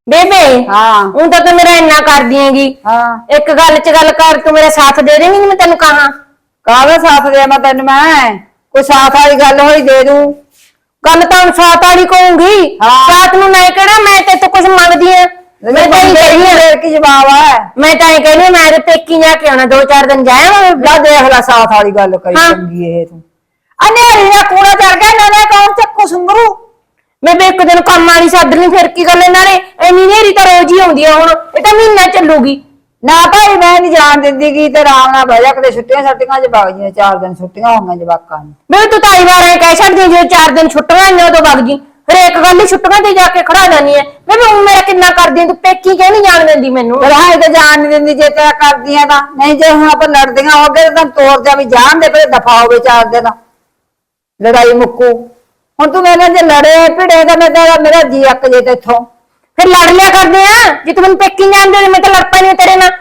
ਬੇਬੇ हाँ ਹੁਣ ਤਾਂ ਤੂੰ ਮੇਰਾ ਇੰਨਾ ਕਰਦੀ ਹੈਗੀ। हाँ ਇੱਕ ਗੱਲ 'ਚ ਗੱਲ ਕਰ, ਤੂੰ ਮੇਰਾ ਸਾਥ ਦੇ ਦੇਂਗੀ? ਮੈਂ ਤੈਨੂੰ ਕਹਾਂ कावे साथ दे मैं तेन मैं कोई साथ वाली गल होई दे दूं। ਗੱਲ ਤਾਂ ਹੁਣ ਸਾਥ ਵਾਲੀ ਕਹੂੰਗੀ। ਹਾਂ। ਸਾਥ ਨੂੰ ਮੈਂ ਕਿਹੜਾ ਮੈਂ ਤੇ ਤੂੰ ਕੁਝ ਮੰਗਦੀ ਆ? ਮੈਂ ਤਾਂ ਹੀ ਕਹਿੰਦੀ ਆ, फिर की जवाब है ਮੈਂ ਤਾਂ ਇਹ ਕਹਿੰਦੀ ਮੈਂ ਤੇ ਪੇਕੀ ਜਾ ਕੇ ਆਉਣਾ, 2-4 ਦਿਨ ਜਾਇਆ ला देख ला साथ वाली गल करी हाँ। चंगी है तू अनेरी ना कूड़ा चढ़ गया नवे कौन चक्कू सुंगरू ਮੈਂ ਵੀ ਇੱਕ ਦਿਨ ਕੰਮ ਵਾਲੀ ਸੱਦ ਲਈ, ਫਿਰ ਕੀ ਗੱਲ ਇਹਨਾਂ ਨੇ ਇੰਨੀ ਨੇਰੀ ਤਾਂ ਰੋਜ਼ ਹੀ ਆਉਂਦੀ ਆ। ਹੁਣ ਇਹ ਤਾਂ ਮਹੀਨਾ ਚੱਲੂਗੀ। ना भाई मैं नहीं जान दिंदी की ते आराम नाल बह जा कदे छुट्टियां छट्टियां च वग जी 4 दिन छुट्टियां होंगी जवाकां नूं ਮੈਂ ਤੂੰ ਤਾਂ ਵਾਰ ਐ ਕਹਿ ਛੱਡਦੀ ਜੇ 4 ਦਿਨ ਛੁੱਟੀਆਂ ਨੇ ਉਦੋਂ ਵਗ ਜੀ। ਹਰੇਕ ਗੱਲ ਹੀ ਛੁੱਟੀਆਂ ਤੇ ਜਾ ਕੇ ਖੜਾ ਜਾਨੀ ਐ। ਮੈਂ ਵੀ ਹੁਣ ਮੇਰਾ ਕਿੰਨਾ ਕਰਦੀ ਤੂੰ ਪੇਕੀ ਕਿਉਂ ਨਹੀਂ ਜਾਣ ਦਿੰਦੀ ਮੈਨੂੰ? पर हाए ते जान नहीं दिंदी जे तेरा करदियां तां नहीं जे हुण आपां लड़दियां हो गए तां तोड़ जा भी जान दे पर दफा होवे 4 दिन लड़ाई मुक्कू हुण तू मेरे जे लड़े भिड़े तां मैं तेरा मेरा जी अक जे ते इथों ਫਿਰ ਲੜ ਲਿਆ ਕਰਦੇ ਆ। ਜੇ ਤੂੰ ਮੈਨੂੰ ਪੇਕੀ ਨੀ ਜਾਣ ਦੇ, ਮੈਂ ਤਾਂ ਲੜ ਪੈਣੀ ਤੇਰੇ ਨਾਲ।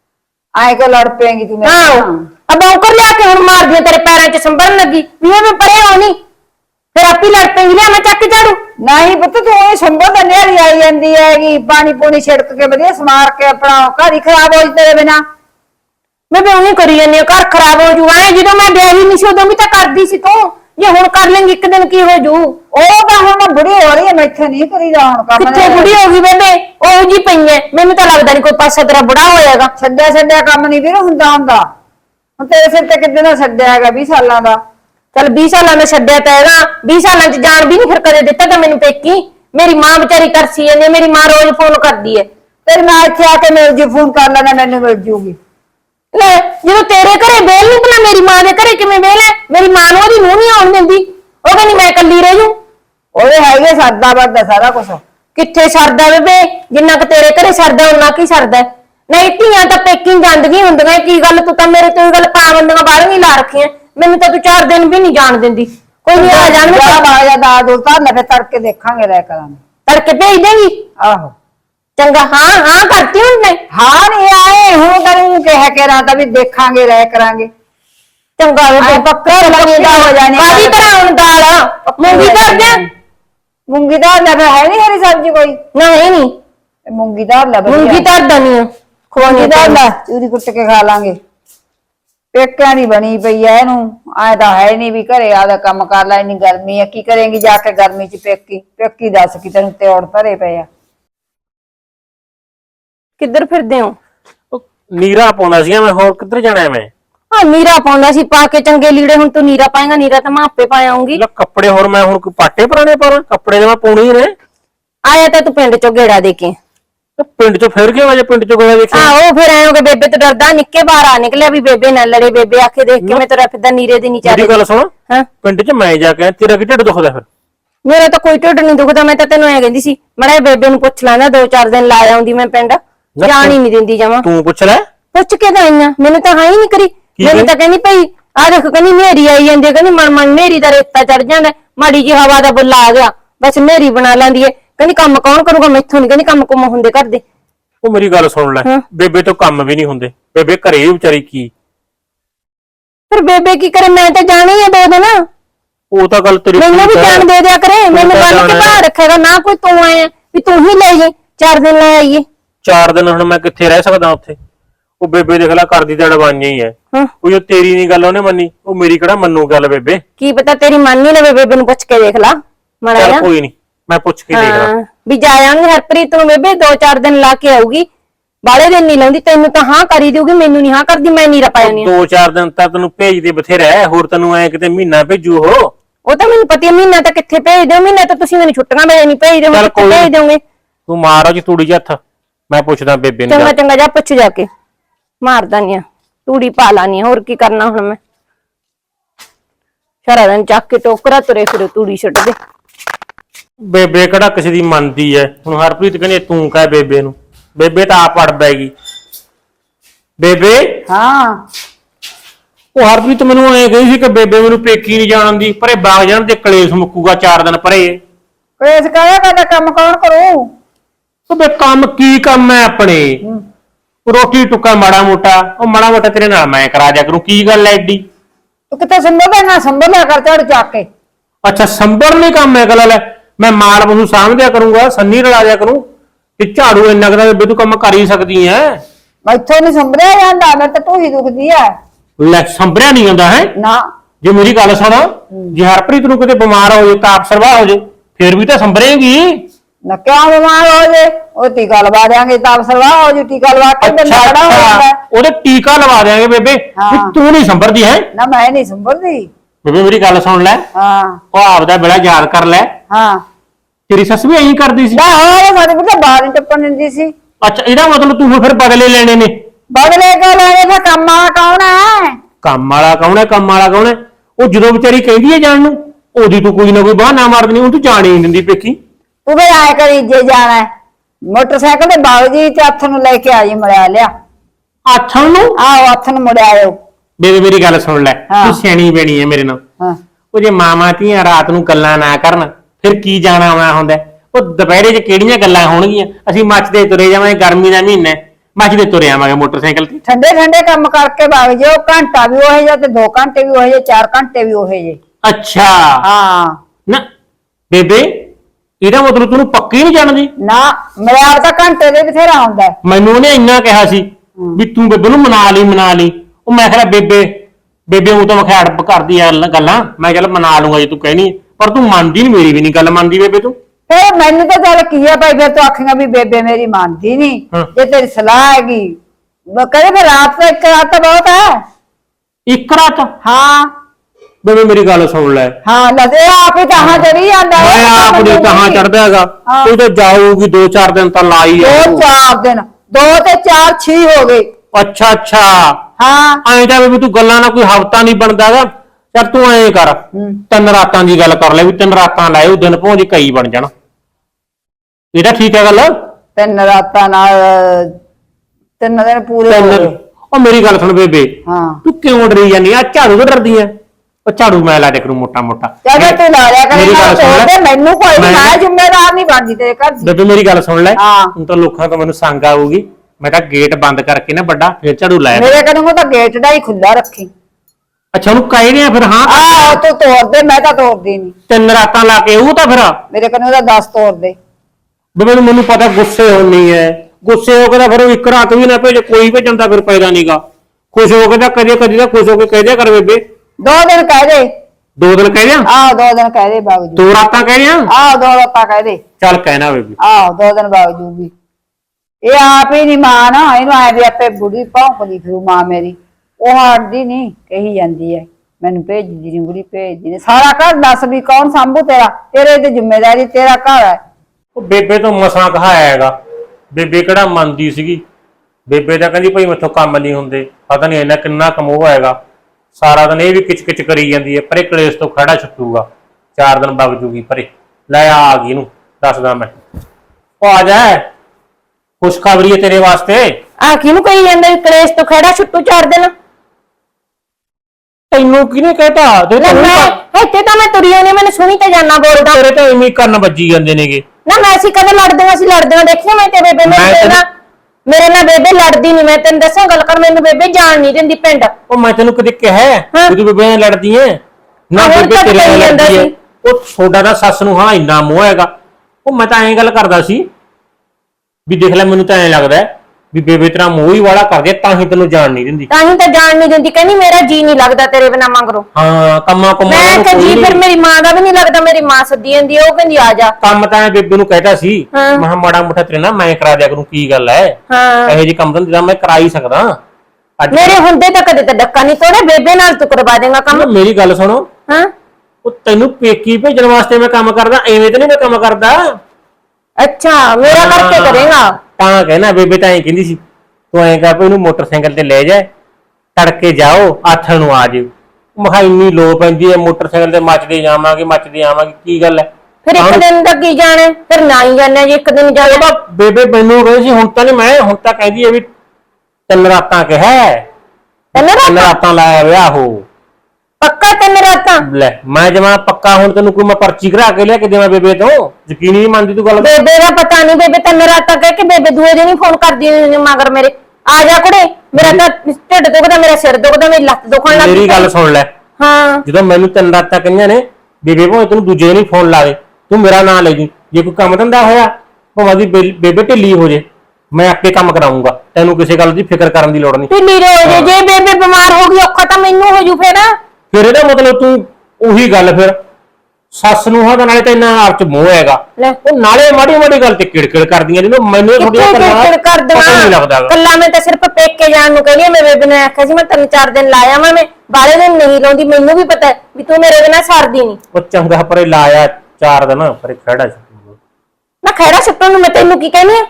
आए के लड़ पेंगी तू मेरे ਹਾਂ नाल ਅਬ ਔਕਰ ਲਿਆ ਕੇ ਹੁਣ ਮਾਰਦੀ ਆ ਤੇਰੇ ਪੈਰਾਂ 'ਚ ਸੰਭਲਣ ਲੱਗੀ ਵੀ ਮੈਂ ਪਰੇ ਹੋਣੀ, ਫਿਰ ਆਪੀ ਲੜ ਪੈਂਗੀ। ਲਿਆ ਮੈਂ ਚੱਕ ਝਾੜੂ। नहीं पुत्त तू ही संभल ते नेरी आई जांदी हैगी पानी पूनी छिड़क के वधिया समार के अपना घर ही खराब हो तेरे बिना ਮੈਂ ਵੀ ਉਹੀ करी ਜਾਂਦੀ ਆ, ਘਰ ਖਰਾਬ ਹੋ ਜੂ। ਐ ਜਦੋਂ ਮੈਂ ਵਿਆਹੀ ਨਹੀਂ ਸੀ ਉਦੋਂ ਵੀ ਤਾਂ ਕਰਦੀ ਸੀ ਤੂੰ, ਜੇ ਹੁਣ ਕਰ ਲੇਂਗੀ ਇੱਕ ਦਿਨ ਕੀ ਹੋ ਜੂ? ਉਹ ਤਾਂ ਹੁਣ ਬੁੜੀ ਹੋ ਰਹੀ ਹੈ ਮੈਥੇ ਨਹੀਂ ਕਰੀਦਾ ਹੁਣ ਕੰਮ ਕਿੱਥੇ ਬੁੜੀ ਹੋ ਗਈ ਬੇਬੇ? ਉਹ ਜੀ ਪਈ ਐ। ਮੈਨੂੰ ਤਾਂ ਲੱਗਦਾ ਨਹੀਂ ਕੋਈ ਪਾਸਾ ਤੇਰਾ ਬੁੜਾ ਹੋਏਗਾ। ਛੱਡਿਆ ਕੰਮ ਨਹੀਂ ਵੀਰ ਹੁੰਦਾ ਹੁਣ ਤੇਰੇ ਸਿਰ ਤੇ ਕਿੱਦਾਂ ਦਾ ਛੱਡਿਆ ਹੈਗਾ 20 ਸਾਲਾਂ ਦਾ ਚੱਲ 20 ਸਾਲਾਂ ਦਾ ਛੱਡਿਆ ਤਾਂ ਹੈਗਾ, 20 ਸਾਲਾਂ 'ਚ ਜਾਣ ਵੀ ਨਹੀਂ ਫਿਰ ਕਦੇ ਦਿੱਤਾ ਤਾਂ ਮੈਨੂੰ ਪੇਕੀ। ਮੇਰੀ ਮਾਂ ਵਿਚਾਰੀ ਤਰਸੀ ਜਾਂਦੀ ਐ, ਮੇਰੀ ਮਾਂ ਰੋਜ਼ ਫੋਨ ਕਰਦੀ ਐ। ਤੇਰੀ ਮਾਂ ਇੱਥੇ ਆ ਕੇ ਮਿਲ ਜੂ ਫੋਨ ਕਰ ਲੈਣਾ ਮੈਨੂੰ ਮਿਲ ਜੂਗੀ ਲੈ ਜਦੋਂ ਤੇਰੇ ਘਰੇ ਵੇਲ ਨਹੀਂ, ਭਲਾ ਮੇਰੀ ਮਾਂ ਦੇ ਘਰੇ ਕਿਵੇਂ ਵੇਲ ਐ? ਮੇਰੀ ਮਾਂ ਨੂੰ ਉਹਦੀ ਨੂੰਹ ਨਹੀਂ ਆਉਣ ਦਿੰਦੀ। ਉਹ ਕਹਿੰਦੀ ਮੈਂ ਇਕੱਲੀ ਰਹਿ ਜੂ। ਉਹਦੇ ਹੈਗੇ ਸਰਦਾ ਵੱਧਦਾ ਸਾਰਾ ਕੁਝ ਕਿੱਥੇ ਸਰਦਾ ਬੇਬੇ? ਜਿੰਨਾ ਕੁ ਤੇਰੇ ਘਰੇ ਸਰਦਾ ਉਹਨਾਂ ਕੀ ਸਰਦਾ। ਨਹੀਂ ਧੀਆਂ ਤਾਂ ਪੇਕੀ ਜਾਂਦੀਆਂ ਹੁੰਦੀਆਂ। ਕੀ ਗੱਲ ਤੂੰ ਤਾਂ ਮੇਰੇ ਤੋਂ ਇਹ ਗੱਲ ਪਾਬੰਦੀਆਂ ਬਾਹਰ ਨਹੀਂ ਲਾ ਰੱਖੀਆਂ। ਮੈਨੂੰ ਤਾਂ ਤੂੰ 4 ਦਿਨ ਵੀ ਨਹੀਂ ਜਾਣ ਦਿੰਦੀ। ਕੋਈ ਨਹੀਂ ਆ ਜਾਣ ਮੈਂ ਬਾਜਾ ਦਾ ਦੋ ਤਾਂ ਲੈ ਤੜਕੇ ਦੇਖਾਂਗੇ ਰਹਿ ਕਰਾਂਗੇ ਤੜਕੇ ਭੇਜ ਦੇਂਗੀ। ਆਹੋ ਚੰਗਾ ਹਾਂ ਕਰਤੀ ਹੁਣ ਮੈਂ। ਹਾਂ ਨਹੀਂ ਆਏ ਹੁਣ ਕਰੂ ਕਹਿ ਕੇ ਰਾਤਾ ਵੀ ਦੇਖਾਂਗੇ ਰਹਿ ਕਰਾਂਗੇ ਚੰਗਾ ਬੇਬੇ ਪੱਕਾ ਲੱਗੇਗਾ ਹੋ ਜਾਣੀ ਕਾਦੀ ਤਰ੍ਹਾਂ ਹੁਣ ਦਾਲ ਮੂੰਗੀ ਧਰ ਦਿਆਂ? ਮੂੰਗੀ ਦਾਲ ਲੈ ਹੈ ਨਹੀਂ ਹਰੀ ਸਬਜ਼ੀ ਕੋਈ ਨਹੀਂ ਮੂੰਗੀ ਦਾਲ ਲੈ ਮੂੰਗੀ ਧਰ ਦਨੀ ਖਵਾਉਣੀ ਦਾਲ ਲੈ ਚੂਰੀ ਕੁੱਟ ਕੇ ਖਾ ਲਾਂਗੇ ਪੇਕਿਆਂ ਦੀ ਬਣੀ ਪਈ ਐ ਇਹਨੂੰ ਆਏ ਤਾਂ ਹੈ ਨਹੀਂ ਵੀ ਘਰੇ ਆਦਾ ਕੰਮ ਕਰ ਲੈ। ਇੰਨੀ ਗਰਮੀ ਐ ਕੀ ਕਰੇਂਗੀ ਜਾ ਕੇ ਗਰਮੀ ਚ ਪੇਕੀ ਦੱਸ ਕੀ ਤੈਨੂੰ ਤਿਉੜ ਧਰੇ ਪਏ ਆ। ਕਿੱਧਰ ਫਿਰਦੇ ਹੋ? ਨੀਰਾ ਪਾਉਂਦਾ ਸੀਗਾ ਮੈਂ, ਹੋਰ ਕਿੱਧਰ ਜਾਣਾ ਮੈਂ? ਹਾਂ ਨੀਰਾ ਪਾਉਂਦਾ ਸੀ, ਪਾ ਕੇ ਚੰਗੇ ਲੀੜੇ। ਹੁਣ ਤੂੰ ਨੀਰਾ ਪਾਏਗਾ? ਨੀਰਾ ਤਾਂ ਮੈਂ ਆਪੇ ਪਾ ਆਉਂਗੀ। ਲੈ ਕੱਪੜੇ ਹੋਰ ਮੈਂ ਹੁਣ ਕੋਈ ਪਾਟੇ ਪੁਰਾਣੇ ਪਾਵਾਂ? ਕੱਪੜੇ ਤਾਂ ਮੈਂ ਪਾਉਣੇ ਹੀ ਨੇ। ਆਇਆ ਤਾਂ ਤੂੰ ਪਿੰਡ ਚੋਂ ਗੇੜਾ ਦੇ ਕੇ। ਪਿੰਡ ਚੋਂ ਫਿਰ ਕੇ ਵਜੇ ਪਿੰਡ ਚੋਂ ਗੋਇਆ ਦੇਖਿਆ? ਆਹੋ ਫਿਰ ਆਇਓ ਕਿ ਬੇਬੇ ਤੋਂ ਡਰਦਾ ਨਿੱਕੇ ਬਾਹਰ ਆ ਨਿਕਲਿਆ ਵੀ ਬੇਬੇ ਨਾਲ ਲੜੇ। ਬੇਬੇ ਆਖੇ ਦੇਖ ਕੇ ਮੈਂ ਤੇਰਾ ਫਿਰਦਾ ਨੀਰੇ ਦੀ ਨੀ ਚਾਰੇ। ਮੇਰੀ ਗੱਲ ਸੁਣ, ਹਾਂ ਪਿੰਡ 'ਚ ਮੈਂ ਜਾ ਕੇ ਆਇਆ, ਤੇਰਾ ਕੀ ਢਿੱਡ ਦੁਖਦਾ ਫਿਰ? ਮੇਰਾ ਤਾਂ ਕੋਈ ਢਿੱਡ ਨਹੀਂ ਦੁਖਦਾ। ਮੈਂ ਤਾਂ ਤੈਨੂੰ ਐ ਕਹਿੰਦੀ ਸੀ ਮੜਾ ਬੇਬੇ ਨੂੰ ਪੁੱਛ ਲੈਂਦਾ, 2-4 ਦਿਨ ਲਾ ਆਉਂਦੀ ਮੈਂ ਪਿੰਡ। ਜਾਣ ਹੀ ਨਹੀਂ ਦਿੰਦੀ ਜਮਾ। ਤੂੰ ਪੁੱਛ ਲੈ। ਪੁੱਛ ਕੇ ਤਾਂ ਆਈਆਂ, ਮੈਨੂੰ ਤਾਂ ਹਾਂ ਹੀ ਨਹੀਂ ਕਰੀ। ਮੈਨੂੰ ਤਾਂ ਕਹਿੰਦੀ ਭਈ ਆ ਦੇਖ, ਕਹਿੰਦੀ ਨੇਰੀ ਆਈ ਜਾਂਦੀ ਹੈ, ਕਹਿੰਦੀ ਮਨ ਨੇਰੀ ਦਾ ਰੇਤਾ ਚੜ ਜਾਂਦਾ, ਮਾੜੀ ਜੀ ਹਵਾ ਦਾ ਬੁੱਲਾ ਆ ਗਿਆ ਬਸ ਨੇਰੀ ਬਣਾ ਲੈਂਦੀ ਏ। ਕਹਿੰਦੀ ਕੰਮ ਕੌਣ ਕਰੂਗਾ ਮੈਥੋਂ ਨਹੀਂ, ਕਹਿੰਦੀ ਕੰਮ ਕੁਮ ਹੁੰਦੇ ਘਰ ਦੇ। ਉਹ ਮੇਰੀ ਗੱਲ ਸੁਣ ਲੈ, ਬੇਬੇ ਤੋਂ ਕੰਮ ਵੀ ਨਹੀਂ ਹੁੰਦੇ। ਬੇਬੇ ਘਰੇ ਹੀ ਵਿਚਾਰੀ ਕੀ। ਫਿਰ ਬੇਬੇ ਕੀ ਕਰੇ? ਮੈਂ ਤਾਂ ਜਾਣੀ ਹੈ 2 ਦਿਨ। ਉਹ ਤਾਂ ਗੱਲ ਤੇਰੀ ਮੈਨੂੰ ਵੀ ਜਾਣ ਦੇ ਦਿਆ ਕਰੇ। ਮੈਨੂੰ ਬੰਨ ਕੇ ਬਾਹਰ ਰੱਖੇਗਾ ਨਾ ਕੋਈ। ਤੂੰ ਆਇਆ ਵੀ ਤੂੰ ਹੀ ਲੈ ਜਾਈਂ, 4 ਦਿਨ ਲੈ ਆਈਏ। 4 ਦਿਨ ਹੁਣ ਮੈਂ ਕਿੱਥੇ ਰਹਿ ਸਕਦਾ ਉੱਥੇ? ਉਹ ਬੇਬੇ ਦੇਖ ਲੈ ਕਰਦੀ ਤਾਂ ਅੜਵਾਈਆਂ ਹੀ ਐ। ਉਹ ਜੋ ਤੇਰੀ ਨਹੀਂ ਗੱਲ ਉਹਨੇ ਮੰਨੀ, ਉਹ ਮੇਰੀ ਕਿਹੜਾ ਮੰਨੂ ਗੱਲ ਬੇਬੇ? ਕੀ ਪਤਾ ਤੇਰੀ ਮੰਨ ਹੀ ਲਵੇ। ਬੇਬੇ ਨੂੰ ਪੁੱਛ ਕੇ ਦੇਖ ਲਾ ਮਾੜਾ ਜਿਹਾ। ਕੋਈ ਨਹੀਂ ਮੈਂ ਪੁੱਛ ਕੇ ਦੇਖਦਾ ਵੀ ਜਾ ਆਵਾਂਗੇ। ਹਰਪ੍ਰੀਤ ਨੂੰ ਬੇਬੇ 2-4 ਦਿਨ ਲਾ ਕੇ ਆਊਗੀ, ਬਾਲੇ ਦਿਨ ਨਹੀਂ ਲਾਉਂਦੀ। ਤੈਨੂੰ ਤਾਂ ਹਾਂ ਕਰੀ ਦਊਗੀ, ਮੈਨੂੰ ਨਹੀਂ ਹਾਂ ਕਰਦੀ। ਮੈਂ ਨਹੀਂ ਰਪਾਇਆ ਨਹੀਂ। 2-4 ਦਿਨ ਤਾਂ ਤੈਨੂੰ ਭੇਜਦੇ ਬਥੇਰਾ, ਹੋਰ ਤੈਨੂੰ ਐ ਕਿਤੇ ਮਹੀਨਾ ਭੇਜੂ ਉਹ ਤਾਂ ਮੈਨੂੰ ਪਤਾ। ਮਹੀਨਾ ਤਾਂ ਕਿੱਥੇ ਭੇਜ ਦਿਓ? ਮਹੀਨਾ ਤਾਂ ਤੁਸੀਂ ਮੈਨੂੰ ਛੁੱਟੀਆਂ ਵੇਲੇ ਨਹੀਂ ਭੇਜਦੇ। ਹੁਣ ਕਿੱਥੇ ਭੇਜ ਦਿਓਗੇ? ਤੂੰ ਮਾਰੋ ਜੀ ਤੂੜੀ ਹੱਥ, ਮੈਂ ਪੁੱਛਦਾ ਬੇਬੇ ਨੂੰ। ਚੰਗਾ ਜਾ ਪੁੱਛ ਜਾ ਕੇ। ਮਾਰਦਾ ਨਹੀਂ ਆ ਤੂੜੀ ਪਾ ਲਾਨੀ, ਹੋਰ ਕੀ ਕਰਨਾ ਹੁਣ ਮੈਂ? ਸਾਰਾ ਦਿਨ ਚੱਕ ਕੇ ਟੋਕਰਾ ਤੁਰੇ ਫਿਰੋ, ਤੂੜੀ ਛੱਡ ਦੇ। ਬੇਬੇ ਕਿਹੜਾ ਕਿਸੇ ਦੀ ਮੰਨਦੀ ਐ? ਹੁਣ ਹਰਪ੍ਰੀਤ ਕਹਿੰਦੀ ਤੂੰ ਕਹਿ ਬੇਬੇ ਨੂੰ, ਬੇਬੇ ਤਾਂ ਆਪ ਅੜ ਬੈਗੀ। ਬੇਬੇ ਹਾਂ ਉਹ ਹਰਪ੍ਰੀਤ ਮੈਨੂੰ ਐ ਕਹੀ ਸੀ ਕਿ ਬੇਬੇ ਮੈਨੂੰ ਪੇਕੀ ਨਹੀਂ ਜਾਣ ਦੀ, ਪਰੇ ਬਾਗ ਜਾਣ ਤੇ ਕਲੇਸ਼ ਮੁੱਕੂਗਾ 4 ਦਿਨ ਪਰੇ। ਕੇਸ ਕਾਇਆ ਕਰਦਾ ਕੰਮ ਕੌਣ ਕਰੂ? ਉਹ ਬੇ ਕੰਮ ਕੀ ਕੰਮ ਐ ਆਪਣੇ? ਰੋਟੀ ਟੁੱਕਾ ਮਾੜਾ ਮੋਟਾ ਤੇਰੇ ਨਾਲ ਮੈਂ ਕਰਾ ਜਾ ਕਰੂੰ। ਕੀ ਗੱਲ ਐ ਐਡੀ? ਤੂੰ ਕਿਤੇ ਸੰਭਲਿਆ ਕਰ ਝੜ ਚੱਕ ਕੇ। ਅੱਛਾ ਸੰਭਲ ਨਹੀਂ ਕੰਮ ਐ ਗੱਲ। ਲੈ ਮੈਂ ਮਾਲ ਨੂੰ ਸਾਂਭਦਿਆ ਕਰੂੰਗਾ, ਸੰਨੀ ਰਲਾ ਦਿਆ ਕਰੂੰ। ਤੇ ਝਾੜੂ ਇੰਨਾ ਕਦਾ ਬੇਬੇ ਤੂੰ ਕੰਮ ਕਰ ਹੀ ਸਕਦੀ ਐ। ਮੈਥੋਂ ਨਹੀਂ ਸੰਭਰਿਆ ਜਾਂਦਾ, ਮੇਰੇ ਤਾਂ ਢੂਹੀ ਦੁਖਦੀ ਆ। ਲੈ ਸੰਭਰਿਆ ਨਹੀਂ ਜਾਂਦਾ ਹੈ। ਨਾ ਜੇ ਮੇਰੀ ਗੱਲ ਸੁਣ, ਜੇ ਹਰਪ੍ਰੀਤ ਨੂੰ ਕਿਤੇ ਬਿਮਾਰ ਹੋ ਜੇ, ਤਾਪ ਸਰਵਾ ਹੋ ਜੇ, ਫਿਰ ਵੀ ਤਾਂ ਸੰਭਰੇਗੀ। ਨਾ ਕਿਉਂ ਬਿਮਾਰ ਹੋ ਜੇ, ਉਹ ਟੀਕਾ ਲਵਾ ਦਿਆਂਗੇ ਤਾਂ ਸਲਵਾ ਹੋ ਜੇ, ਟੀਕਾ ਲਵਾ ਕੇ ਬੰਦਾ ਖੜਾ ਹੋ ਜਾਂਦਾ। ਉਹਦੇ ਟੀਕਾ ਲਵਾ ਦੇਾਂਗੇ ਬੇਬੇ, ਵੀ ਤੂੰ ਨਹੀਂ ਸੰਭਰਦੀ ਹੈ। ਨਾ ਮੈਂ ਨਹੀਂ ਸੰਭਰਦੀ। ਬੇਬੇ ਮੇਰੀ ਗੱਲ ਸੁਣ ਲੈ, ਹਾਂ ਉਹ ਆਪਦਾ ਬੜਾ ਯਾਦ ਕਰ ਲੈ। ਹਾਂ ਤੇਰੀ ਸੱਸ ਵੀ ਐਂ ਕਰਦੀ ਸੀ। ਨਾ ਹੋਰ ਸਾਡੇ ਕੋਲ ਤਾਂ ਬਾਹਰ ਨੀ ਟੱਪਣ ਦਿੰਦੀ ਸੀ। ਅੱਛਾ, ਇਹਦਾ ਮਤਲਬ ਤੂੰ ਫਿਰ ਬਦਲੇ ਲੈਣੇ ਨੇ। ਬਦਲੇ ਕੇ ਲੈਣੇ ਫਿਰ ਕੰਮ ਵਾਲਾ ਕੌਣ ਹੈ? ਕੰਮ ਵਾਲਾ ਕੌਣ ਹੈ? ਕੰਮ ਵਾਲਾ ਕੌਣ ਹੈ? ਉਹ ਜਦੋਂ ਵਿਚਾਰੀ ਕਹਿੰਦੀ ਹੈ ਜਾਣ ਨੂੰ, ਉਹਦੀ ਤੂੰ ਕੋਈ ਨਾ ਕੋਈ ਬਹਾਨਾ ਮਾਰ ਦਿੰਦੀ, ਉਹ ਤੂੰ ਜਾਣ ਹੀ ਨਹੀਂ ਦਿੰਦੀ ਪੇਕੀ। ਤੂੰ ਵੀ ਆਏ ਕਰੀ ਜੇ ਜਾਣਾ ਹੈ, ਮੋਟਰਸਾਈਕਲ ਤੇ ਬਾਬੂ ਜੀ ਤੇ ਹੱਥ ਨੂੰ ਲੈ ਕੇ ਆਈ, ਮੁੜਿਆ ਲਿਆ। ਆਥਣ ਨੂੰ? ਆਹੋ ਹੱਥ ਨੂੰ ਮੁੜਿਆ ਆਇਓ। ਬੇਬੇ ਮੇਰੀ ਗੱਲ ਸੁਣ ਲੈ, ਹਾਂ। ਤੂੰ ਸਿਆਣੀ ਬਣੀ ਹੈ ਮੇਰੇ ਨਾਲ। ਹਾਂ ਉਹ ਜੇ ਮਾਵਾਂ ਧੀਆਂ ਰਾਤ ਨੂੰ ਗੱਲਾਂ ਨਾ ਕਰਨ, ਫਿਰ ਕੀ ਜਾਣਾ ਆਉਣਾ ਹੁੰਦਾ? ਉਹ ਦੁਪਹਿਰੇ 'ਚ ਕਿਹੜੀਆਂ ਗੱਲਾਂ ਹੋਣਗੀਆਂ? ਅਸੀਂ ਮੱਚਦੇ ਤੁਰੇ ਜਾਵਾਂਗੇ, ਗਰਮੀ ਦਾ ਮਹੀਨਾ ਹੈ, ਮੱਚਦੇ ਤੁਰੇ ਆਵਾਂਗੇ ਮੋਟਰਸਾਈਕਲ ਤੇ। ਠੰਡੇ ਠੰਡੇ ਕੰਮ ਕਰਕੇ ਭਾਗ ਜਿਓ, ਘੰਟਾ ਵੀ ਉਹੇ ਜੇ ਤੇ 2 ਘੰਟੇ ਵੀ ਉਹੇ ਜੇ, 4 ਘੰਟੇ ਵੀ ਉਹੇ ਜੇ। ਅੱਛਾ ਹਾਂ ਨਾ ਬੇਬੇ, ਇਹਦਾ ਮਤਲਬ ਤੈਨੂੰ ਪੱਕੀ ਨਹੀਂ ਜਾਣਦੀ? ਨਾ ਮਿਲਿਆ ਤਾਂ ਘੰਟੇ ਦੇ ਬਥੇਰਾ ਆਉਂਦਾ ਹੈ। ਮੈਨੂੰ ਉਹਨੇ ਇੰਨਾ ਕਿਹਾ ਸੀ ਵੀ ਤੂੰ ਬੇਬੇ ਨੂੰ ਮਨਾ ਲਈ ਮਨਾ ਲਈ। ਉਹ ਮੈਂ ਕਿਹਾ ਬੇਬੇ ਉਹ ਤਾਂ ਮਖਿਆੜ ਕਰਦੀ ਆ ਗੱਲਾਂ, ਮੈਂ ਚੱਲ ਮਨਾ ਲੂੰਗਾ ਜੇ ਤੂੰ ਕਹਿਣੀ, ਪਰ ਤੂੰ ਮੰਨਦੀ ਨਹੀਂ, ਮੇਰੀ ਵੀ ਨਹੀਂ ਗੱਲ ਮੰਨਦੀ ਬੇਬੇ ਤੂੰ। ਫਿਰ ਮੈਨੂੰ ਤਾਂ ਚੱਲ ਕੀ ਆ ਭਾਈ, ਫਿਰ ਤੂੰ ਆਖੇਂਗਾ ਵੀ ਬੇਬੇ ਮੇਰੀ ਮੰਨਦੀ ਨਹੀਂ। ਜੇ ਤੇਰੀ ਸਲਾਹ ਹੈਗੀ ਕਰੇ ਫਿਰ ਰਾਤ ਤਾਂ 1 ਰਾਤ ਤਾਂ ਬਹੁਤ ਹੈ। 1 ਰਾਤ? ਹਾਂ ਬੇਬੇ ਮੇਰੀ ਗੱਲ ਸੁਣ ਲੈ, ਹਾਂ ਲੱਗੇ ਆਪ ਹੀ ਤਾਂ ਚੜੀ ਜਾਂਦਾ ਹੈ। ਮੈਂ ਆਪ ਨਹੀਂ ਤਾਂ ਚੜਦਾ ਹੈਗਾ। ਤੂੰ ਤਾਂ ਜਾਊਗੀ 2-4 ਦਿਨ ਤਾਂ ਲਾਈ ਆ। 2-4 ਦਿਨ, 2 ਤੇ 4 6 ਹੋ ਗਏ। ਅੱਛਾ ਅੱਛਾ, ਹਾਂ ਐਂ ਤਾਂ ਬੇਬੇ ਤੂੰ ਗੱਲਾਂ ਨਾਲ ਕੋਈ ਹਫਤਾ ਨਹੀਂ ਬਣਦਾਗਾ। ਚੱਲ ਤੂੰ ਐਂ ਕਰ, 3 ਰਾਤਾਂ ਦੀ ਗੱਲ ਕਰ ਲੈ, ਵੀ 3 ਰਾਤਾਂ ਲਾਏ, ਉਹ ਦਿਨ ਭੋਜ ਕਈ ਬਣ ਜਾਣ। ਇਹਦਾ ਠੀਕ ਹੈ ਗੱਲ? 3 ਰਾਤਾਂ ਨਾਲ 3 ਦਿਨ ਪੂਰੇ ਹੋ ਗਏ। ਉਹ ਮੇਰੀ ਗੱਲ ਸੁਣ ਬੇਬੇ, ਹਾਂ ਤੂੰ ਕਿਉਂ ਡਰੀ ਜਾਂਦੀ ਆ? ਝਾੜੂ ਤੋਂ ਡਰਦੀ ਆ? ਉਹ ਝਾੜੂ ਮੈਂ ਲਾ ਦੇ ਕਰੂੰ ਮੋਟਾ ਮੋਟਾ। ਚੱਲ ਤੂੰ ਲਾ ਲਿਆ ਮੇਰੀ ਗੱਲ ਸੁਣ ਲੈ। ਕਰ, ਮੈਨੂੰ ਕੋਈ ਨਹੀਂ, ਮੈਂ ਜ਼ਿੰਮੇਵਾਰ ਨਹੀਂ ਬਣਦੀ ਤੇਰੇ ਘਰ ਦੀ। ਬੇਬੇ ਮੇਰੀ ਗੱਲ ਸੁਣ ਲੈ, ਹਾਂ। ਹੁਣ ਤਾਂ ਲੋਕਾਂ ਤੋਂ ਮੈਨੂੰ ਸੰਗ ਆਊਗੀ। ਮੈਂ ਤਾਂ ਗੇਟ ਬੰਦ ਕਰਕੇ ਨਾ ਵੱਡਾ, ਫੇਰ ਝਾੜੂ ਲਾਇਆ। ਮੇਰੇ ਕੋਲੋਂ ਤਾਂ ਗੇਟ ਦਾ ਹੀ ਖੁੱਲਾ ਰੱਖੀ। ਅੱਛਾ ਉਹਨੂੰ ਕਹਿ ਆ ਫਿਰ? ਹਾਂ ਆਹ ਤੂੰ ਤੋੜ ਦੇ, ਮੈਂ ਤਾਂ ਤੋੜਦੀ ਨਹੀਂ। 3 ਰਾਤਾਂ ਲਾ ਕੇ ਉਹ ਤਾਂ ਫਿਰ ਮੇਰੇ ਕੋਲੋਂ ਤਾਂ 10 ਤੋੜ ਦੇ। ਬੇਬੇ ਮੈਨੂੰ ਪਤਾ ਗੁੱਸੇ ਹੋਣੀ ਹੈ, ਗੁੱਸੇ ਹੋ ਕੇ ਤਾਂ ਫਿਰ 1 ਰਾਤ ਵੀ ਨਾ ਭੇਜ, ਕੋਈ ਭੇਜਣ ਦਾ ਫਿਰ ਫਾਇਦਾ ਨਹੀਂਗਾ। ਖੁਸ਼ ਹੋ ਕੇ ਤਾਂ ਕਦੇ ਤਾਂ ਖੁਸ਼ ਹੋ ਕੇ ਕਹਿ ਦਿਆ ਕਰ ਬੇਬੇ। 2 ਦਿਨ ਕਹਿ ਦੇ। 2 ਦਿਨ ਕਹਿ ਦਿਆਂ? ਆਹ 2 ਦਿਨ ਕਹਿ ਦੇ ਬਾਬੂ ਜੀ। 2 ਰਾਤਾਂ ਕਹਿ ਦਿਆਂ? ਆਹ 2 ਰਾਤਾਂ ਕਹਿ ਦੇ। ਚੱਲ ਕਹਿਣਾ ਬੇਬੇ। ਆਹ 2 ਦਿਨ ਬਾਬੂ ਜੂਗੀ। ਇਹ ਆਪ ਹੀ ਨਹੀਂ ਮਾਂ ਨਾ, ਇਹਨੂੰ ਆਏ ਵੀ ਆਪੇ ਬੁੜੀ ਭੌਂਕਦੀ ਫਿਰੂ ਮਾਂ ਮੇਰੀ। ਉਹ ਹਟਦੀ ਨਹੀਂ, ਕਹੀ ਜਾਂਦੀ ਹੈ ਮੈਨੂੰ ਭੇਜਦੀ ਨਹੀਂ, ਬੁੜੀ ਭੇਜਦੀ ਨਹੀਂ। ਸਾਰਾ ਘਰ ਦੱਸ ਵੀ ਕੌਣ ਸੰਭੂ ਤੇਰਾ? ਤੇਰੇ ਤੇ ਜ਼ਿੰਮੇਵਾਰੀ, ਤੇਰਾ ਘਰ ਹੈ। ਉਹ ਬੇਬੇ ਤੋਂ ਮਸਾਂ ਕਹਾਇਆ ਹੈਗਾ, ਬੇਬੇ ਕਿਹੜਾ ਮੰਨਦੀ ਸੀਗੀ। ਬੇਬੇ ਤਾਂ ਕਹਿੰਦੀ ਭਾਈ ਮੈਥੋਂ ਕੰਮ ਨਹੀਂ ਹੁੰਦੇ, ਪਤਾ ਨਹੀਂ ਇੰਨਾ ਕਿੰਨਾ ਕਮੋਹ ਹੈਗਾ। ਸਾਰਾ ਦਿਨ ਇਹ ਵੀ ਕਿਚ ਕਰੀ ਜਾਂਦੀ ਹੈ, ਪਰੇ ਕਲੇਸ਼ ਤੋਂ ਖੜਾ ਛੁੱਟੂਗਾ। 4 ਦਿਨ ਵਗ ਜੂਗੀ ਪਰੇ। ਲੈ ਆ ਗਈ ਇਹਨੂੰ ਦੱਸਦਾ ਮੈਂ। ਉਹ ਆ ਜਾ, ਖੁਸ਼ਖਬਰੀ ਹੈ ਤੇਰੇ ਵਾਸਤੇ। ਆ ਕਿਹਨੂੰ ਕਹੀ ਜਾਂਦਾ ਵੀ ਕਲੇਸ਼ ਤੋਂ ਖੜਾ ਛੁੱਟੂ 4 ਦਿਨ? ਤੈਨੂੰ ਕਿਹਨੇ ਕਹਿਤਾ? ਇੱਥੇ ਤਾਂ ਮੈਂ ਤੁਰੀ ਆਉਣੀ, ਮੈਨੂੰ ਸੁਣੀ ਤੇ ਜਾਨਾ ਬੋਲਦਾ। ਤੇਰੇ ਤਾਂ ਇਵੇਂ ਕੰਨ ਵੱਜੀ ਜਾਂਦੇ ਨੇਗੇ। ਨਾ ਮੈਂ ਅਸੀਂ ਕਦੇ ਲੜਦੇ ਦੇਖਿਆ ਮੈਂ ਤੇ ਬੇਬੇ ਮੇਰੇ ਨਾਲ ਬੇਬੇ ਲੜਦੀ ਨਹੀਂ। ਮੈਂ ਤੈਨੂੰ ਦੱਸਾਂ ਗੱਲ ਕਰ, ਮੈਨੂੰ ਬੇਬੇ ਜਾਣ ਨਹੀਂ ਦਿੰਦੀ ਪਿੰਡ। ਉਹ ਮੈਂ ਤੈਨੂੰ ਕਦੇ ਕਿਹਾ ਤੂੰ ਬੇਬੇ ਨਾਲ ਲੜਦੀ ਐ? ਨਾ ਬੇਬੇ ਤੇਰੇ ਨਾਲ ਲੜਦੀ ਐ। ਉਹ ਛੋਡਾ ਦਾ ਸੱਸ ਨੂੰ ਹਾਂ ਇੰਨਾ ਮੋਹ ਹੈਗਾ। ਉਹ ਮੈਂ ਤਾਂ ਐਂ ਗੱਲ ਕਰਦਾ ਸੀ ਵੀ ਦੇਖ ਲੈ, ਮੈਨੂੰ ਤਾਂ ਐਂ ਲੱਗਦਾ ਵੀ ਬੇਬੇ ਤੇਰਾ ਮੋਹ ਹੀ ਵਾਲਾ ਕਰਦੀ ਐ, ਤਾਂ ਹੀ ਤੈਨੂੰ ਜਾਣ ਨਹੀਂ ਦਿੰਦੀ। ਤਾਂ ਹੀ ਤਾਂ ਜਾਣ ਨਹੀਂ ਦਿੰਦੀ, ਕਹਿੰਦੀ ਮੇਰਾ ਜੀ ਨਹੀਂ ਲੱਗਦਾ ਤੇਰੇ ਬਿਨਾ ਮਗਰੋਂ। ਹਾਂ ਕੰਮਾਂ ਮੈਂ ਕਹਿੰਦੀ ਫਿਰ ਮੇਰੀ ਮਾਂ ਦਾ ਵੀ ਨਹੀਂ ਲੱਗਦਾ, ਮੇਰੀ ਮਾਂ ਸੱਦੀ ਜਾਂਦੀ ਐ, ਉਹ ਕਹਿੰਦੀ ਆ ਜਾ। ਕੰਮ ਤਾਂ ਐ ਬੇਬੇ ਨੂੰ ਕਹਿਤਾ ਸੀ, ਮੈਂ ਕਿਹਾ ਮਾੜਾ ਮੋਟਾ ਤੇਰੇ ਨਾਲ ਮੈਂ ਕਰਾ ਦਿਆ ਕਰੂੰ, ਕੀ ਗੱਲ ਐ? ਇਹੋ ਜਿਹੇ ਕੰਮ ਤਾਂ ਮੈਂ ਕਰਾ ਹੀ ਸਕਦਾ। ਮੇਰੇ ਹੁੰਦੇ ਤਾਂ ਕਦੇ ਤਾਂ ਡੱਕਾ ਨਹੀਂ ਤੋੜੇ, ਬੇਬੇ ਨਾਲ ਤੂੰ ਕਰਵਾ ਦੇਗਾ ਕੰਮ। ਮੇਰੀ ਗੱਲ ਸੁਣੋ, ਉਹ ਤੈਨੂੰ ਪੇਕੀ ਭੇਜਣ ਵਾਸਤੇ ਮੈਂ ਕੰਮ ਕਰਦਾ, ਐਵੇਂ ਤਾਂ ਨਹੀਂ ਮੈਂ ਕੰਮ ਕਰਦਾ। ਅੱਛਾ ਮੇਰਾ ਕਰਕੇ ਕਰੇਗਾ ਤਾਂ ਕਹਿਣਾ। ਬੇਬੇ ਤਾਂ ਐਂ ਕਹਿੰਦੀ ਸੀ ਤੂੰ ਐਂ ਕਰ, ਇਹਨੂੰ ਮੋਟਰਸਾਈਕਲ ਤੇ ਲੈ ਜਾ, ਤੜਕੇ ਜਾਓ ਆਥਣ ਨੂੰ ਆ ਜਿਓ। ਮੈਂ ਕਿਹਾ ਇੰਨੀ ਲੋ ਪੈਂਦੀ ਐ, ਮੋਟਰਸਾਈਕਲ ਤੇ ਮੱਚਦੇ ਜਾਵਾਂਗੇ ਕੀ ਗੱਲ ਐ? ਫਿਰ 1 ਦਿਨ ਦਾ ਕੀ ਜਾਣੇ, ਫਿਰ ਨਾ ਹੀ ਜਾਣੇ ਜੀ 1 ਦਿਨ ਜਾਵੇ। ਬੇਬੇ ਮੈਨੂੰ ਕਹਿੰਦੀ ਸੀ, ਹੁਣ ਤਾਂ ਨਹੀਂ, ਮੈਂ ਹੁਣ ਤਾਂ ਕਹਿੰਦੀ ਐ ਵੀ 3 ਰਾਤਾਂ ਕਿਹਾ। 3 ਰਾਤਾਂ ਲਾਇਆ ਵਿਆਹ ਹੋ ਪੱਕਾ 3 ਰਾਤਾਂ? ਲੈ ਮੈਂ ਜਮਾ ਪੱਕਾ। ਹੁਣ ਤੈਨੂੰ ਕੋਈ ਮੈਂ ਪਰਚੀ ਕਰਾ ਕੇ ਲਿਆ ਕੇ ਦੇਵਾਂ ਬੇਬੇ ਤੋਂ? ਯਕੀਨ ਨਹੀਂ ਮੰਨਦੀ ਤੂੰ ਗੱਲ। ਬੇਬੇ ਦਾ ਪਤਾ ਨਹੀਂ, ਬੇਬੇ 3 ਰਾਤਾਂ ਕਹਿ ਕੇ ਬੇਬੇ ਦੂਏ ਦਿਨ ਹੀ ਫੋਨ ਕਰਦੀ ਮਗਰ ਮੇਰੇ, ਆ ਜਾ ਕੁੜੇ, ਮੇਰਾ ਤਾਂ ਢਿੱਡ ਦੁਖਦਾ, ਮੇਰਾ ਸਿਰ ਦੁਖਦਾ, ਮੇਰੀ ਲੱਤ ਦੁਖਣ ਲੱਗ ਗਈ। ਮੇਰੀ ਗੱਲ ਸੁਣ ਲੈ, ਹਾਂ ਜਦੋਂ ਮੈਨੂੰ 3 ਰਾਤਾਂ ਕਹੀਆਂ ਨੇ ਬੇਬੇ ਭਾਵੇਂ ਤੈਨੂੰ ਦੂਜੇ ਦਿਨ ਹੀ ਫੋਨ ਲਾ ਦੇ, ਤੂੰ ਮੇਰਾ ਨਾਂ ਲੈ ਜੀ। ਜੇ ਕੋਈ ਕੰਮ ਧੰਦਾ ਹੋਇਆ ਭਾਵੇਂ ਦੀ ਬੇਬੇ ਢਿੱਲੀ ਹੋ ਜੇ, ਮੈਂ ਆਪੇ ਕੰਮ ਕਰਾਉਂਗਾ, ਤੈਨੂੰ ਕਿਸੇ ਗੱਲ ਦੀ ਫਿਕਰ ਕਰਨ ਦੀ ਲੋੜ ਨਹੀਂ। ਢਿੱਲੀ ਰੋ ਜੇ ਬੇਬੇ ਬਿਮਾਰ ਹੋ ਗਈ ਔਖਾ ਤਾਂ ਮੈਨੂੰ ਹੋ ਜੂ ਫਿਰ ਇਹਦਾ ਮਤਲਬ ਤੂੰ ਉਹੀ ਗੱਲ, ਫਿਰ ਸੱਸ ਨੂੰ ਹਾਂ ਨਾਲੇ ਤਾਂ ਇੰਨਾ ਆਪ ਚ ਮੋਹ ਹੈਗਾ, ਲੈ। ਉਹ ਨਾਲੇ ਮਾੜੀ ਮਾੜੀ ਗੱਲ ਤੇ ਕਿੜਕਿੜ ਕਰਦੀਆਂ ਨੇ, ਮੈਨੂੰ ਥੋੜੀਆਂ ਕਰ ਨਹੀਂ ਲੱਗਦਾ ਗਾ। ਕੱਲਾ ਮੈਂ ਤਾਂ ਸਿਰਫ ਪੇਕੇ ਜਾਣ ਨੂੰ ਕਹਿੰਦੀ ਮੈਂ ਬੇਬੇ ਨੇ ਆਖਿਆ ਸੀ ਮੈਂ 3-4 ਦਿਨ ਲਾਇਆ ਮੈਂ ਬਾਹਲੇ ਦਿਨ ਨਹੀਂ ਲਾਉਂਦੀ, ਮੈਨੂੰ ਵੀ ਪਤਾ ਵੀ ਤੂੰ ਮੇਰੇ ਬਿਨਾਂ ਸਰਦੀ ਨਹੀਂ। ਉਹ ਚੰਗਾ ਪਰੇ ਲਾਇਆ 4 ਦਿਨ ਪਰੇ ਖੜਾ ਸੀ। ਨਾ ਖੈੜਾ ਛੱਟਣ ਨੂੰ ਮੈਂ ਤੈਨੂੰ ਕੀ ਕਹਿੰਦੀ ਆ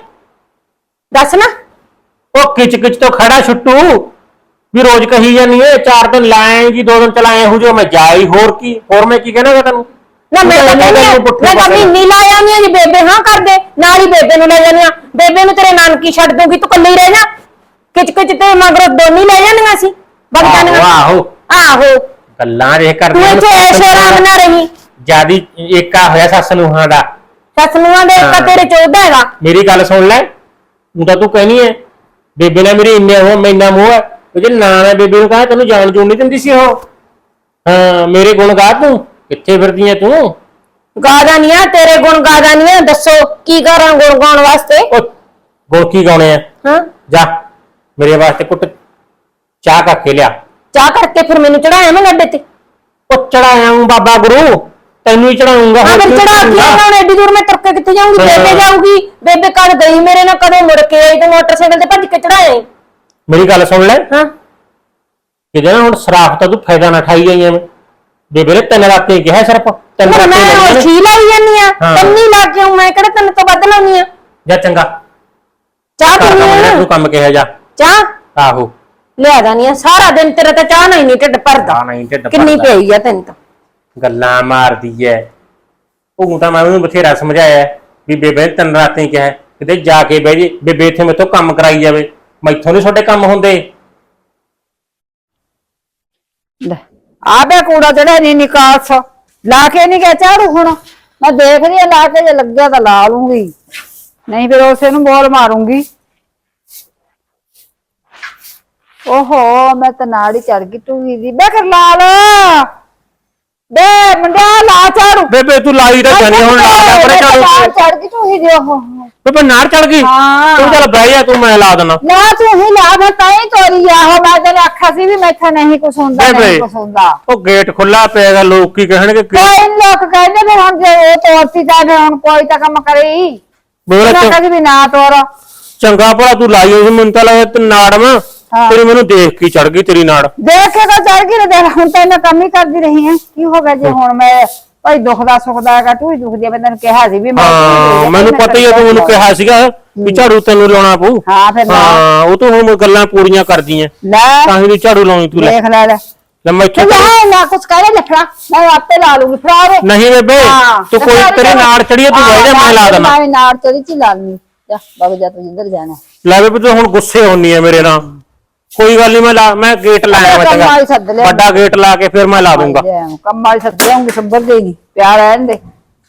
ਦੱਸ ਨਾ। ਉਹ ਕਿਚ ਕਿਚ ਤੋਂ ਖੜਾ ਛੁੱਟੂ ਵੀ ਰੋਜ਼ ਕਹੀ ਜਾਨੀ ਏ 4 ਦਿਨ ਲਾਏਗੀ 2 ਦਿਨ ਚਲਾਏ ਹੋ ਜੋ ਮੈਂ ਜਾਈ, ਹੋਰ ਮੈਂ ਕੀ ਕਹਿਣਾ ਤੈਨੂੰ। ਨਾ ਮੈਂ ਤਾਂ ਮਹੀਨੀ ਲਾ ਆਉਂਦੀ ਆ ਜੀ ਬੇਬੇ ਹਾਂ ਕਰਦੇ ਨਾਲ ਹੀ ਬੇਬੇ ਨੂੰ ਲੈ ਜਾਂਦੀ ਆ, ਬੇਬੇ ਨੂੰ ਤੇਰੇ ਨਾਨਕੀ ਛੱਡ ਦੂੰਗੀ ਤੂੰ ਕੱਲੀ ਰਹਿ ਜਾ, ਕਿਚ ਕਿਚ ਤੇ ਮਗਰੋਂ ਦੋਨੀ ਲੈ ਜਾਂਦੀਆਂ ਸੀ ਬਗ ਜਾਂਦੀਆਂ। ਆਹੋ ਗੱਲਾਂ ਰੇ ਤੂੰ ਇੱਥੇ ਐਸ਼ੋ ਆਰਾਮ ਨਾ ਰਹੀ, ਜਿਆਦੀ ਏਕਾ ਹੋਇਆ ਸੱਸ ਨੂੰਹਾਂ ਦਾ। ਸੱਸ ਨੂੰਹਾਂ ਦਾ ਏਕਾ ਤੇਰੇ ਚ ਉਹਦਾ ਹੈਗਾ। ਮੇਰੀ ਗੱਲ ਸੁਣ ਲੈ, ਤੂੰ ਕਹਿਨੀ ਹੈ ਬੇਬੇ ਨਾਲ ਮੇਰੀ ਇੰਨਾ ਮੋਹ ਹੈ, ਜੇ ਨਾ ਬੇਬੇ ਨੂੰ ਕਹਾ ਤੈਨੂੰ ਜਾਣ ਜੂਣ ਨਹੀਂ ਦਿੰਦੀ ਸੀ ਉਹ। ਹਾਂ ਮੇਰੇ ਗੁਣ ਗਾ, ਤੂੰ ਕਿੱਥੇ ਫਿਰਦੀ ਐ ਤੂੰ। ਗਾਦਾ ਨਹੀਂ ਆ ਤੇਰੇ ਗੁਣ, ਗਾਦਾ ਨਹੀਂ ਆ, ਦੱਸੋ ਕੀ ਕਰਾਂ ਗੁਣ ਗਾਉਣ ਵਾਸਤੇ। ਗੁਣ ਕੀ ਗਾਉਣੇ ਆ? ਹਾਂ ਜਾ ਮੇਰੇ ਵਾਸਤੇ ਕੁੱਟ ਚਾਹ ਕਰਕੇ ਲਿਆ। ਚਾਹ ਕਰਕੇ ਫਿਰ ਮੈਨੂੰ ਚੜਾਇਆ ਮੈਂ ਲੱਡੇ ਤੇ। ਉਹ ਚੜਾਇਆ ਹੂੰ ਬਾਬਾ ਗੁਰੂ, ਤੈਨੂੰ ਹੀ ਚੜਾਉਂਗਾ। ਹਾਂ ਫਿਰ ਚੜਾ ਕੇ ਆਉਣਾ, ਐਡੀ ਦੂਰ ਮੈਂ ਤੁਰ ਕੇ ਕਿੱਥੇ ਜਾਊਂਗੀ, ਬੇਬੇ ਜਾਊਗੀ, ਬੇਬੇ ਕਦ ਗਈ ਮੇਰੇ ਨਾਲ, ਕਦੋਂ ਮੁੜ ਕੇ ਆਈ, ਤੇ ਮੋਟਰਸਾਈਕਲ ਤੇ ਭੱਜ ਕੇ ਚੜਾਇਆ। ਮੇਰੀ ਗੱਲ ਸੁਣ ਲੈ, ਹਾਂ ਕਿਤੇ ਨਾ ਹੁਣ ਸਰਾਫ ਤਾਂ ਤੂੰ ਫਾਇਦਾ ਨਾ ਠਾਈ ਜਾਈਂ ਐਵੇਂ। ਬੇਬੇ ਨੇ 3 ਰਾਤੇ ਕਿਹਾ ਸਿਰਫ 3 ਰਾਤੇ ਮੈਂ ਛੀ ਲਾਈ ਜਾਂਦੀ ਆ, ਤੰਨੀ ਲਾ ਕੇ ਆਉਂ, ਮੈਂ ਕਿਹੜਾ ਤੈਨੂੰ ਤੋਂ ਵੱਧ ਲਾਉਣੀ ਆ। ਜਾ ਚੰਗਾ ਚਾਹ ਪੀਣੀ ਤੂੰ ਕੰਮ ਕਿਹਾ ਜਾ। ਚਾਹ ਆਹੋ ਲਿਆ ਜਾਨੀ ਆ, ਸਾਰਾ ਦਿਨ ਤੇਰਾ ਤਾਂ ਚਾਹ ਨਹੀਂ ਢਿੱਡ ਭਰਦਾ, ਕਿੰਨੀ ਪਈ ਆ ਤੈਨੂੰ ਤਾਂ। ਗੱਲਾਂ ਮਾਰਦੀ ਐ ਉਹ, ਤਾਂ ਮੈਂ ਉਹਨੂੰ ਬਥੇਰਾ ਸਮਝਾਇਆ ਵੀ ਬੇਬੇ ਨੇ 3 ਰਾਤੇ ਕਿਹਾ ਕਿਤੇ ਜਾ ਕੇ ਬਹਿ ਜੇ, ਬੇਬੇ ਇੱਥੇ ਮੈਥੋਂ ਕੰਮ ਕਰਾਈ ਜਾਵੇ, ਮੈਥੋਂ ਨੀ ਤੁਹਾਡੇ ਕੰਮ ਹੁੰਦੇ। ਆ ਬੇ ਕੂੜਾ ਜਿਹੜਾ ਨਹੀਂ ਨਿਕਾਸ ਲਾ ਕੇ ਨਹੀਂ ਗਿਆ ਝਾੜੂ, ਹੁਣ ਮੈਂ ਦੇਖਦੀ ਆ ਲਾ ਕੇ, ਜੇ ਲੱਗਿਆ ਤਾਂ ਲਾ ਲੂੰਗੀ, ਨਹੀਂ ਫਿਰ ਉਸੇ ਨੂੰ ਬੋਲ ਮਾਰੂੰਗੀ। ਓਹੋ ਮੈਂ ਤਾਂ ਨਾੜੀ ਚੜ ਗਈ ਟੂਹੀ ਦੀ। ਬੇ ਕਰ ਲਾ ਲਾ ਬੇ ਮੁੰਡਿਆ, ਲਾ ਝਾੜੂ। ਬੇਬੇ ਤੂੰ ਲਾਈ ਤਾਂ ਜਾਨੀ ਹੁਣ, ਲਾ ਪਰੇ ਝਾੜੂ। ਚੜ ਗਈ ਟੂਹੀ ਦੀ। ਉਹ ਬੇਬੇ ਨਾੜ ਚੜ ਗਈ। ਤੂੰ ਚੱਲ ਬਹਿ ਜਾ, ਤੂੰ ਮੈਂ ਲਾ ਦੇਣਾ। ਨਾ ਤੂੰ ਹੀ ਲਾ, ਮੈਂ ਤਾਂ ਹੀ ਤੋਰੀ ਆ। ਉਹ ਮੈਂ ਤੈਨੂੰ ਆਖਿਆ ਸੀ ਵੀ ਮੈਥੋਂ ਨਹੀਂ ਕੁਛ ਹੁੰਦਾ, ਨਹੀਂ ਕੁਛ ਹੁੰਦਾ। ਉਹ ਗੇਟ ਖੁੱਲਾ ਪਿਆਗਾ, ਲੋਕ ਕੀ ਕਹਿਣਗੇ। ਕੋਈ ਲੋਕ ਕਹਿੰਦੇ ਵੀ ਹੁਣ ਜੇ ਉਹ ਤੋਰਤੀ ਤਾਂ ਫਿਰ ਹੁਣ ਕੋਈ ਤਾਂ ਕੰਮ ਕਰੇ। ਮੈਂ ਕਹਿੰਦੀ ਵੀ ਨਾ ਤੋਰ। ਚੰਗਾ ਭਲਾ ਤੂੰ ਲਾਈ ਹੋਈ ਸੀ, ਮੈਨੂੰ ਤਾਂ ਲੱਗਦਾ ਤੇ ਨਾੜ ਮੈਂ ਤੇਰੀ ਮੈਨੂੰ ਦੇਖ ਕੇ ਚੜ ਗਈ ਤੇਰੀ ਨਾੜ। ਦੇਖ ਕੇ ਤਾਂ ਚੜ ਗਈ, ਦੇਖ ਹੁਣ ਤਾਂ ਇਹਨਾਂ ਕੰਮ ਹੀ ਕਰਦੀ ਰਹੀ ਹੈ। ਕੀ ਹੋ ਗਿਆ ਜੇ ਹੁਣ ਮੈਂ ਭਾਈ ਦੁਖਦਾ ਸੁਖਦਾ ਹੈਗਾ, ਤੂੰ ਹੀ ਦੁਖਦੀ ਹੈ। ਮੈਂ ਤੈਨੂੰ ਕਿਹਾ ਸੀ ਵੀ ਮੈਨੂੰ ਪਤਾ ਹੀ ਹੈ, ਤੂੰ ਮੈਨੂੰ ਕਿਹਾ ਸੀਗਾ ਵੀ ਝਾੜੂ ਤੈਨੂੰ ਲਾਉਣਾ ਪਊ। ਹਾਂ ਫਿਰ ਉਹ ਤੂੰ ਹੁਣ ਗੱਲਾਂ ਪੂਰੀਆਂ ਕਰਦੀ ਐ, ਤਾਂ ਹੀ ਝਾੜੂ ਲਾਉਣੀ ਤੂੰ। ਦੇਖ ਲੈ ਨਾ ਕੁਛ ਕਰੇ ਲਿਖਣਾ, ਮੈਂ ਆਪੇ ਲਾ ਲੂੰਗੀ। ਫੜਾ ਨਹੀਂ ਬੇਬੇ ਤੂੰ ਕੋਈ ਤੇਰੀ ਨਾੜ ਚੜੀ, ਤੂੰ ਬਹਿ ਜਾ, ਮੈਂ ਲਾ ਦੇਣਾ। ਮੈਂ ਨਾੜ ਚੜੀ ਚ ਲਾ ਲੂੰਗੀ। ਜਾ ਬਗ ਜਾ, ਤੂੰ ਜਿੱਧਰ ਜਾਣਾ। ਲੈ ਬੇਬੇ ਤੂੰ ਹੁਣ ਗੁੱਸੇ ਹੋਣੀ ਐ ਮੇਰੇ ਨਾਲ। ਕੋਈ ਗੱਲ ਨਹੀਂ, ਮੈਂ ਗੇਟ ਲਾਇਆ, ਵੱਡਾ ਗੇਟ ਲਾ ਕੇ ਫਿਰ ਮੈਂ ਲਾ ਦੂੰਗਾ। ਕੰਮ ਵਾਲੀ ਸੱਦ ਲਿਆਉਂਗੀ, ਸੱਬਰ ਦੇ ਨਹੀਂ ਪਿਆਰ ਰਹਿਣ ਦੇ।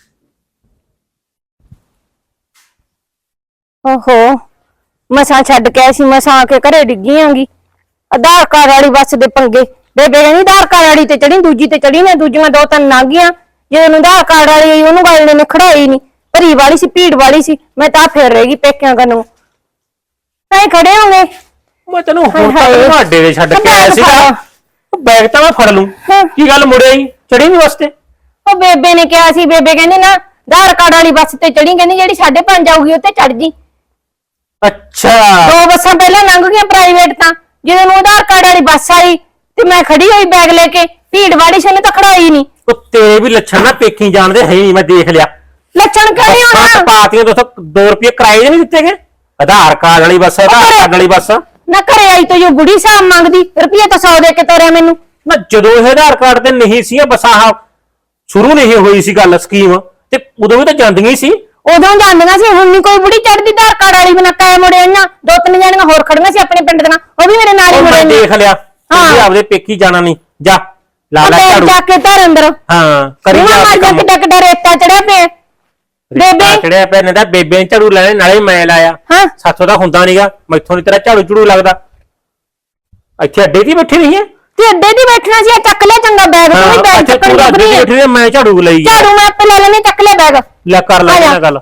ਓਹੋ ਮਸਾਂ ਛੱਡ ਕੇ ਆਈ ਸੀ, ਮਸਾਂ ਆ ਕੇ ਘਰੇ ਡਿੱਗੀ ਆਂਗੀ। ਆਧਾਰ ਕਾਰਡ ਵਾਲੀ ਬੱਸ ਦੇ ਪੰਗੇ, ਬੇਬੇ ਕਹਿੰਦੀ ਆਧਾਰ ਕਾਰਡ ਵਾਲੀ ਤੇ ਚੜੀ, ਦੂਜੀ ਤੇ ਚੜੀ ਨੇ, ਦੂਜੀਆਂ 2-3 ਲੰਘੀਆਂ। ਜਦੋਂ ਆਧਾਰ ਕਾਰਡ ਵਾਲੀ ਆਈ ਉਹਨੂੰ ਗੱਲ ਨੇ ਖੜਾਈ ਨਹੀਂ, ਭਰੀ ਵਾਲੀ ਸੀ, ਭੀੜ ਵਾਲੀ ਸੀ। ਮੈਂ ਤਾਂ ਫੇਰ ਰਹਿ ਗਈ ਪੇਕਿਆਂ ਕਨੂੰ। ਐ ਖੜੇ ਹੋਗੇ ਮੈਂ ਤੈਨੂੰ ਹੁਣ ਤੱਕ ਅੱਡੇ ਦੇ ਛੱਡ ਕੇ ਆਇਆ ਸੀਗਾ, ਬੈਗ ਤਾਂ ਮੈਂ ਫੜ ਲੂੰ। ਕੀ ਗੱਲ ਮੁੜਿਆ ਹੀ ਚੜੀ ਨਹੀਂ ਬੱਸ ਤੇ? ਉਹ ਬੇਬੇ ਨੇ ਕਿਹਾ ਸੀ, ਬੇਬੇ ਕਹਿੰਦੀ ਨਾ ਆਧਾਰ ਕਾਰਡ ਵਾਲੀ ਬੱਸ ਤੇ ਚੜੀ, ਕਹਿੰਦੀ ਜਿਹੜੀ 5:30 ਆਊਗੀ ਉੱਤੇ ਚੜ ਜੀ। ਅੱਛਾ 2 ਬੱਸਾਂ ਪਹਿਲਾਂ ਲੰਘ ਗਈਆਂ ਪ੍ਰਾਈਵੇਟ, ਤਾਂ ਜਦੋਂ ਨੂੰ ਆਧਾਰ ਕਾਰਡ ਵਾਲੀ ਬੱਸ ਆਈ ਤੇ ਮੈਂ ਖੜੀ ਹੋਈ ਬੈਗ ਲੈ ਕੇ, ਭੀੜ ਵਾਲੀ ਸੀ, ਤਾਂ ਖੜਾਈ ਨਹੀਂ। ਤੇਰੇ ਵੀ ਲੱਛਣ ਨਾ ਪੇਕੀ ਜਾਣਦੇ ਹੈ ਨਹੀਂ, ਮੈਂ ਦੇਖ ਲਿਆ। ਲੱਛਣ ਕਿਉਂ ਨਹੀਂ ਹੋਣਾ? ਪਾਤੀਆਂ ਤੋਂ 2 ਰੁਪਏ ਕਿਰਾਏ ਦੇ ਨਹੀਂ ਦਿੱਤੇ ਗਏ। ਆਧਾਰ ਕਾਰਡ ਵਾਲੀ ਬੱਸ, ਆਧਾਰ ਕਾਰਡ ਵਾਲੀ ਬੱਸ ਨਾ ਘਰੇ ਆਈ ਤਾਂ ਜੋ ਬੁੜੀ ਸਾਹਿਬ ਮੰਗਦੀ ਰੁਪਈਆ ਤਾਂ 100 ਦੇ ਕੇ ਤੋਰਿਆ ਮੈਨੂੰ। ਨਾ ਜਦੋਂ ਇਹ ਆਧਾਰ ਕਾਰਡ ਤੇ ਨਹੀਂ ਸੀ ਬੱਸਾਂ ਸ਼ੁਰੂ ਨਹੀਂ ਹੋਈ ਸੀ ਗੱਲ ਸਕੀਮ, ਤੇ ਉਦੋਂ ਵੀ ਤਾਂ ਜਾਂਦੀਆਂ ਸੀ। ਉਦੋਂ ਜਾਂਦੀਆਂ ਸੀ, ਹੁਣ ਨਹੀਂ ਕੋਈ ਬੁੜੀ ਚੜਦੀ ਆਧਾਰ ਕਾਰਡ ਵਾਲੀ ਬਿਨਾ। ਕਾਇ ਮੁੜਿਆ ਨਾ 2-3 ਜਣੀਆਂ ਹੋਰ ਖੜੀਆਂ ਸੀ ਆਪਣੇ ਪਿੰਡ ਦੀਆਂ, ਉਹ ਵੀ ਮੇਰੇ ਨਾਲ ਹੀ ਮੁੜੇ ਨੇ। ਦੇਖ ਲਿਆ, ਤੁਸੀਂ ਆਪਦੇ ਪੇਕੀ ਜਾਣਾ ਨਹੀਂ, ਜਾ ਲਾ ਲੈ ਝਾੜੂ ਜਾ ਕੇ ਧਰ ਅੰਦਰ। ਹਾਂ ਕਰੀ ਜਾ ਕੰਮ। ਕਿੱਡਾ ਰੇਤਾ ਚੜਿਆ ਪਿਆ ਬੇਬੇ, ਚੜਿਆ ਪਿਆ ਨੇ ਤਾਂ ਬੇਬੇ ਨੇ ਝਾੜੂ ਲੈਣੇ, ਨਾਲੇ ਮੈਂ ਲਾਇਆ। ਸਾਥੋਂ ਤਾਂ ਹੁੰਦਾ ਨਹੀਂਗਾ, ਮੈਥੋਂ ਨੀ ਤੇਰਾ ਝਾੜੂ ਝੂੜੂ ਲੱਗਦਾ। ਇੱਥੇ ਅੱਡੇ ਦੀ ਬੈਠੀ ਨਹੀਂ ਹੈ ਤੇ ਅੱਡੇ ਦੀ ਬੈਠਣਾ ਸੀ। ਚੱਕ ਲਿਆ ਚੰਗਾ ਬੈਗ, ਤੂੰ ਵੀ ਬੈਗ ਚੱਕਣ ਲੱਗ ਰਹੀ ਹੈ। ਮੈਂ ਝਾੜੂ ਲਈ, ਝਾੜੂ ਮੈਂ ਆਪੇ ਲੈ ਲੈਣੀ, ਚੱਕ ਲਿਆ ਬੈਗ। ਲੈ ਕਰ ਲੈ ਨਾ ਗੱਲ।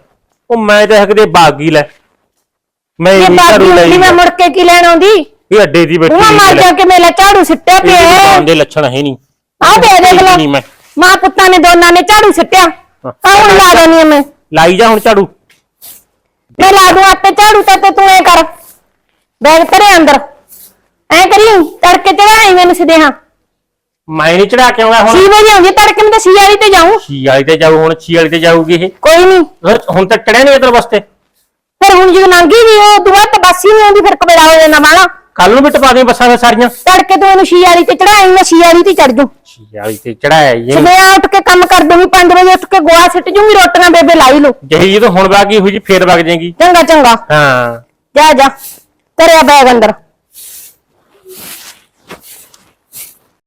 ਉਹ ਮੈਂ ਤਾਂ ਹਕਦੇ ਬਾਗੀ ਲੈ ਮੈਂ ਇਹ ਨਹੀਂ ਝਾੜੂ ਬਾਗੀ ਲਈ ਹੁੰਦੀ ਮੈਂ ਮੁੜ ਕੇ ਕੀ ਲੈਣ ਆਉਂਦੀ ਇਹ ਅੱਡੇ ਦੀ ਬੈਠੀ ਤੂੰ ਮਾਰ ਜਾ ਕੇ ਮੇਲਾ ਝਾੜੂ ਸਿੱਟਿਆ ਪਿਆ ਦੁਕਾਨ ਦੇ ਲੱਛਣ ਹੈ ਨਹੀਂ ਆਹ ਦੇ ਦੇਖ ਲੈ ਨਹੀਂ ਮੈਂ ਮਾਂ ਪੁੱਤਾਂ ਨੇ ਦੋਨਾਂ ਨੇ ਝਾੜੂ ਸਿੱਟਿਆ ਆਹ ਹੁਣ ਲਾ ਦੇਣੀ ਆ ਮੈਂ ਲਾਈ ਜਾ ਹੁਣ ਝਾੜੂ ਮੈਂ ਲਾ ਦੂੰ ਆਪੇ ਝਾੜੂ ਤੇ ਤੂੰ ਐ ਕਰ ਬੈਗ ਧਰੇ ਅੰਦਰ ਐ ਕਰੀ ਤੜਕੇ ਚੜਾਈ ਮੈਨੂੰ ਸਦੇਹਾ ਮੈਂ ਨਹੀਂ ਚੜਾ ਕੇ ਆਉਣਾ ਹੁਣ 6 ਵਜੇ ਆਉਂਦੀ ਤੜਕੇ ਮੈਂ ਤਾਂ 6 ਵਾਲੀ ਤੇ ਜਾਊਂ ਛੀ ਵਾਲੀ ਤੇ ਜਾਊ ਹੁਣ ਛੀ ਵਾਲੀ ਤੇ ਜਾਊਗੀ ਇਹ ਕੋਈ ਨਹੀਂ ਹੁਣ ਤਾਂ ਚੜਿਆ ਨਹੀਂ ਇਧਰ ਵਾਸਤੇ ਫਿਰ ਹੁਣ ਜਦੋਂ ਲੰਘੀ ਵੀ ਉਹ ਦੁਆ ਤਾਂ ਬੱਸ ਹੀ ਨਹੀਂ ਆਉਂਦੀ ਫਿਰ ਕਬੇੜਾ ਹੋ ਜਾਂਦਾ ਵਾਲਾ ਕੱਲ ਨੂੰ ਵੀ ਟਪਾ ਦੇ ਬੱਸਾਂ ਫਿਰ ਸਾਰੀਆਂ ਤੜਕੇ ਤੂੰ ਇਹਨੂੰ 6 ਵਾਲੀ ਤੇ ਚੜਾਈ ਮੈਂ 6 ਵਾਲੀ ਤੇ ਚੜ ਜੂ ਛੀ ਵਾਲੀ ਤੇ ਚੜਾਇਆ ਇਹ ਸਵੇਰੇ ਉੱਠ ਕੇ ਕੰਮ ਕਰ ਦੂੰਗੀ 5 ਵਜੇ ਉੱਠ ਕੇ ਗੋਆ ਸਿੱਟ ਜੂੰਗੀ ਰੋਟੀਆਂ ਬੇਬੇ ਲਾਈ ਲੋ ਜਿਹੀ ਜਦੋਂ ਹੁਣ ਬਾਗੀ ਹੋਈ ਜੀ ਫੇਰ ਵਗ ਜਾਏਗੀ ਚੰਗਾ ਚੰਗਾ ਹਾਂ ਜਾ ਜਾ ਤੇਰੇ ਬੈਗ ਅੰਦਰ